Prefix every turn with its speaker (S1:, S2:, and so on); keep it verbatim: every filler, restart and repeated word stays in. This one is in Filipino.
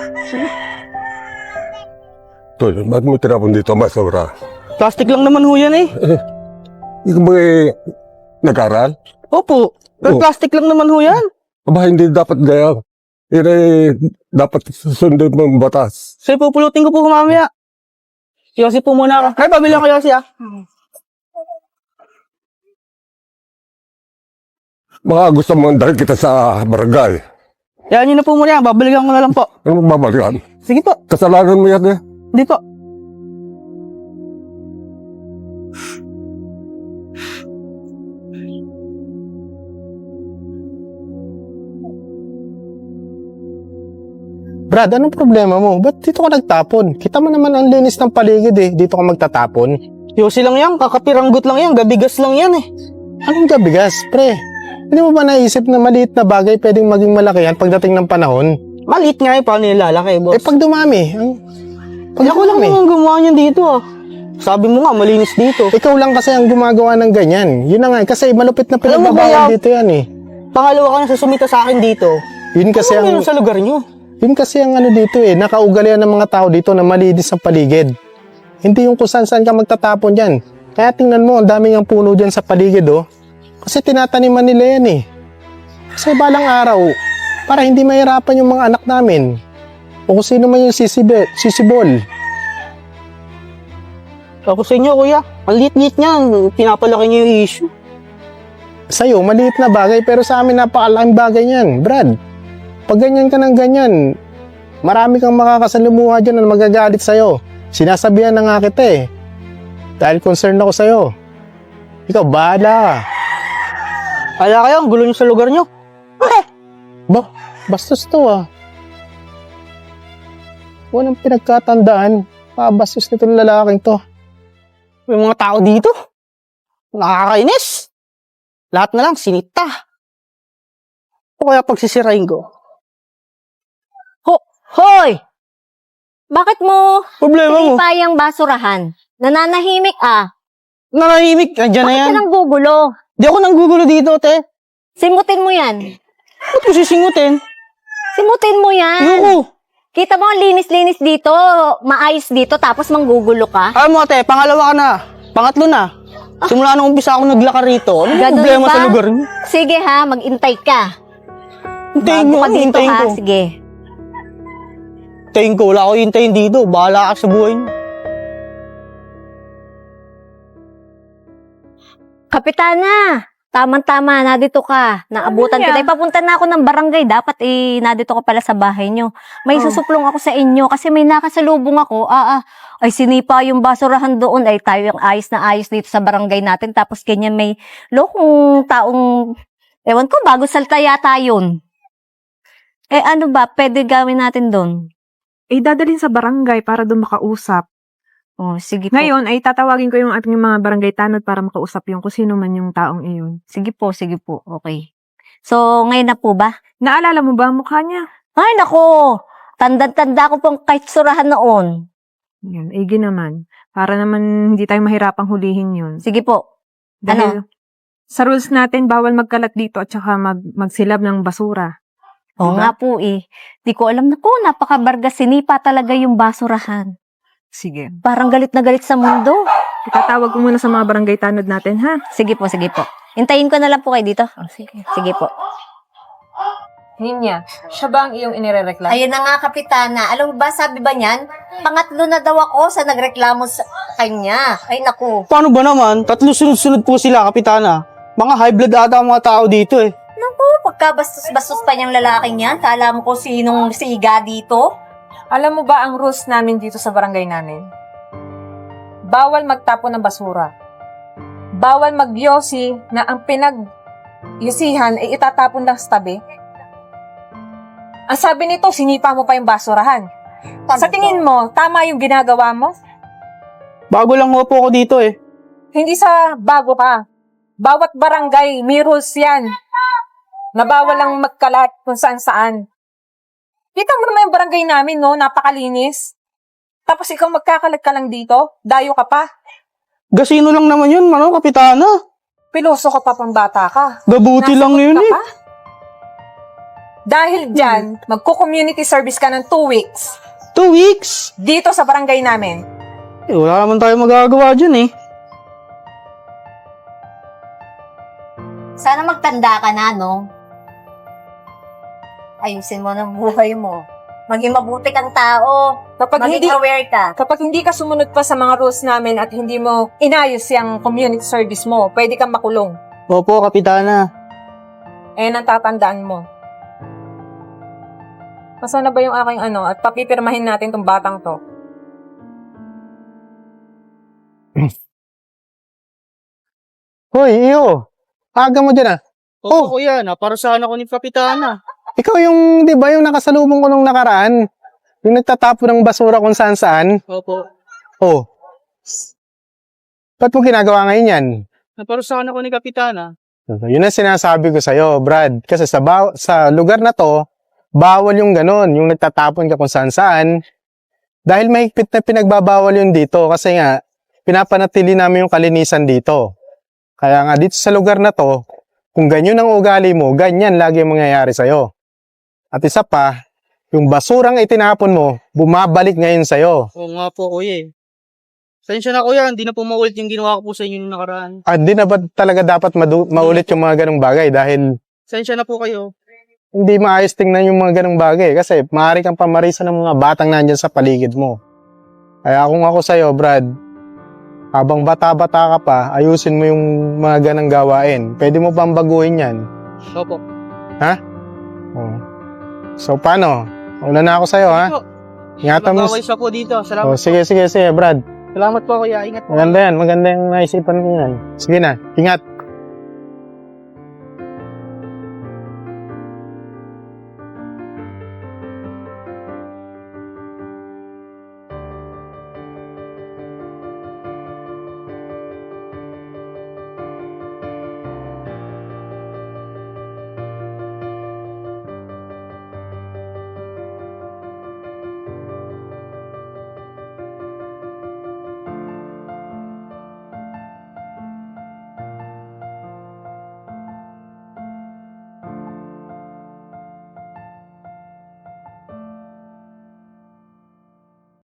S1: Tol, ba't mo tinapon dito ang basura?
S2: Plastic lang naman ho yan eh.
S1: Ikaw ba eh, nag-aral?
S2: Opo, pero
S1: Oh.
S2: plastic lang naman ho yan.
S1: Aba, hindi dapat gaya. Yan eh, dapat susundin mo ang batas.
S2: So, pupulutin ko po mamaya. Yosi po muna ako. Ay, pabili ako Yosi ah.
S1: Baka gusto mong dahil kita sa barangay.
S2: Yan yun na po muna yan. Babalikan ko na lang po.
S1: Ano mo babalikan?
S2: Sige po.
S1: Kasalanan mo yan eh.
S2: Hindi po.
S3: Brad, anong problema mo? Ba't dito ka nagtapon? Kita mo naman ang linis ng paligid eh. Dito ka magtatapon.
S2: Yosi lang yan. Kakapiranggot lang yan. Gabigas lang yan eh.
S3: Anong gabigas, pre? Hindi mo ba naisip na maliit na bagay pwedeng maging malaki yan pagdating ng panahon?
S2: Maliit nga eh. Paano nilalaki, boss?
S3: Eh pag dumami, ang... Pag
S2: Ay, ako lang
S3: dumami,
S2: naman gumawa niyan dito ah. Sabi mo nga, malinis dito.
S3: ikaw lang kasi ang gumagawa ng ganyan. Yun na nga, eh, kasi malupit na
S2: Alam mo ba,
S3: pinagbabawal
S2: Yab?
S3: dito yan eh.
S2: Pangalawa ka na sa sumita sa akin dito.
S3: Yun kasi
S2: Ano
S3: ang...
S2: meron sa lugar niyo?
S3: Yun kasi ang ano dito eh, nakaugalian ng mga tao dito na malinis ang paligid. Hindi yung kung saan-saan ka magtatapon dyan. Kaya tingnan mo, ang daming ang puno dyan sa paligid oh. Kasi tinataniman nila yan eh. Kasi balang araw, para hindi mahirapan yung mga anak namin. O kung sino man yung sisibe, sisibol.
S2: Ako sa inyo, kuya. Ang liit-liit niyan. Pinapalaki niyo yung issue.
S3: Sa'yo, maliit na bagay, pero sa amin napakalaking bagay yan, Brad. Pag ganyan ka ng ganyan, marami kang makakasalumuha dyan na magagalit sa'yo. Sinasabihan na nga kita eh. Dahil concerned ako sa'yo. Ikaw, bahala ka.
S2: Kala kayo, ang gulo niyo sa lugar niyo.
S3: Ba, bastos to ah. Walang pinagkatandaan. Pabastos nitong lalaking to.
S2: May mga tao dito. Nakakainis. Lahat na lang, sinita. O kaya pagsisirain ko.
S4: Hoy! Bakit mo
S2: Problema mo.
S4: sinipa yung basurahan? Nananahimik ah.
S2: Nanahimik. Nandiyan na
S4: Bakit
S2: yan.
S4: ka nang gugulo?
S2: Di ako nanggugulo dito, te.
S4: Simutin mo yan.
S2: Ba't ko sisingutin?
S4: Simutin mo yan.
S2: Ayoko.
S4: Kita mo ang linis-linis dito, maayos dito, tapos manggugulo ka?
S2: Alam mo, te, pangalawa ka na. Pangatlo na. Simula nung umpisa ako naglakar rito. Ano
S4: Ganun
S2: problema
S4: ba?
S2: sa lugar niyo?
S4: Sige ha, mag-intay ka.
S2: Hintayin
S4: Bago
S2: mo,
S4: ka dito
S2: hintayin
S4: ha,
S2: ko.
S4: sige.
S2: Hintayin ko, wala ko hintayin dito. Bahala ka sa buhay niyo.
S4: Kapitana, tama-tama, nadito ka. Naabutan
S5: Ano
S4: kita.
S5: yan?
S4: Ipapunta na ako ng barangay. Dapat eh, nadito ka pala sa bahay nyo. May
S5: Oh.
S4: susuplong ako sa inyo kasi may nakasalubong ako. Ah, ah, ay sinipa yung basurahan doon. Ay tayo yung ayos na ayos dito sa barangay natin. Tapos ganyan may lokong taong, ewan ko, bago salta yata yun. Eh ano ba, pwede gawin natin doon?
S5: Eh, dadalhin sa barangay para doon makausap.
S4: Oh, sige po.
S5: Ngayon, ay tatawagin ko yung ating mga barangay tanod para makausap yung kung sino man yung taong iyon.
S4: Sige po, sige po. Okay. So, ngayon na po ba?
S5: Naalala mo ba ang mukha niya?
S4: Ay, nako! Tanda-tanda ko pong kahit surahan noon.
S5: Yan, igi naman. Para naman hindi tayo mahirapang hulihin yun.
S4: Sige po.
S5: Dahil sa rules natin, bawal magkalat dito at saka mag, magsilab ng basura.
S4: Oo
S5: Diba?
S4: nga po eh. Di ko alam na ko, napakabarga sinipa talaga yung basurahan.
S5: Sige.
S4: Parang galit na galit sa mundo.
S5: Itatawag ko muna sa mga barangay tanod natin, ha?
S4: Sige po, sige po. Hintayin ko na lang po kayo dito.
S5: Sige.
S4: Sige po.
S6: Ninya, siya ba ang iyong inirereklamo?
S4: Ayun na nga, Kapitana. Alam mo ba, sabi ba niyan? Pangatlo na daw ako sa nagreklamo sa kanya. Ay, naku.
S2: Paano ba naman? Tatlo sunod-sunod po sila, Kapitana. Mga high blood ata ang mga tao dito eh.
S4: Naku, pagkabastos-bastos pa niyang lalaking yan. Kala mo ko sinong siga dito?
S6: Alam mo ba ang rules namin dito sa barangay namin? Bawal magtapon ng basura. Bawal magyosi na ang pinag-yusihan ay itatapon lang sa tabi. Ang sabi nito, sinipa mo pa yung basurahan. Sa tingin mo, tama yung ginagawa mo?
S2: Bago lang ho po ako dito eh.
S6: Hindi sa bago ka. Bawat barangay, may rules yan. Na bawal lang magkalat kung saan-saan. Kita mo naman yung barangay namin, no? Napakalinis. Tapos ikaw magkakalat ka lang dito? Dayo ka pa?
S2: Gasino lang naman yun, ano, Kapitana.
S6: Piloso ka pa pang bata ka.
S2: Gabuti lang
S6: Nasagot
S2: yun
S6: ka
S2: eh.
S6: pa? Dahil dyan, magko-community service ka ng two weeks
S2: Two weeks?
S6: dito sa barangay namin.
S2: Eh, wala naman tayo magagawa dyan eh.
S4: Sana magtanda ka na, no? Ayusin mo ng buhay mo. Maging mabuti kang tao.
S6: Kapag
S4: Maging
S6: hindi,
S4: aware ka.
S6: kapag hindi ka sumunod pa sa mga rules namin at hindi mo inayos yung community service mo, pwede kang makulong.
S2: Opo, Kapitana.
S6: Eh, natatandaan mo. Nasaan na ba yung aking ano? At papipirmahin natin tong batang to.
S3: Hoy, iyo. Aga mo dyan ah.
S2: Opo, kuya. Naparusahan ako ni Kapitana.
S3: Ikaw yung, di ba, yung nakasalubong ko nung nakaraan? Yung nagtatapon ng basura kung saan saan?
S2: Opo.
S3: Oh. Ba't mo ginagawa ngayon yan?
S2: Naparusahan ako ni Kapitana.
S3: Yun ang sinasabi ko sa'yo, Brad. Kasi sa, baw- sa lugar na to, bawal yung ganon, yung nagtatapon ka kung saan saan. Dahil mahigpit na pinagbabawal yun dito kasi nga, pinapanatili namin yung kalinisan dito. Kaya nga dito sa lugar na to, kung ganyan ang ugali mo, ganyan lagi ang mangyayari sa'yo. At isa pa, yung basurang itinapon mo, bumabalik ngayon sa'yo.
S2: Oo nga po, kuya eh. Sensya na kuya, hindi na po maulit yung ginawa ko po sa inyo nung nakaraan.
S3: At di na ba talaga dapat madu- maulit yung mga ganong bagay dahil
S2: Sensya na po kayo.
S3: hindi maayos tingnan yung mga ganong bagay kasi maaari kang pamarisa ng mga batang nandyan sa paligid mo. Kaya kung ako sa'yo, Brad, habang bata-bata ka pa, ayusin mo yung mga ganang gawain. Pwede mo bang baguhin yan?
S2: Opo.
S3: Oh. So, paano? Una na ako sa'yo, ha? Ingatan mo.
S2: Mag-away siya po dito. Salamat
S3: Oh, sige, sige, sige, Brad.
S2: Salamat po kuya. Ingat po.
S3: Maganda yan. Maganda yung naisipan mo yan. Sige na. Ingat.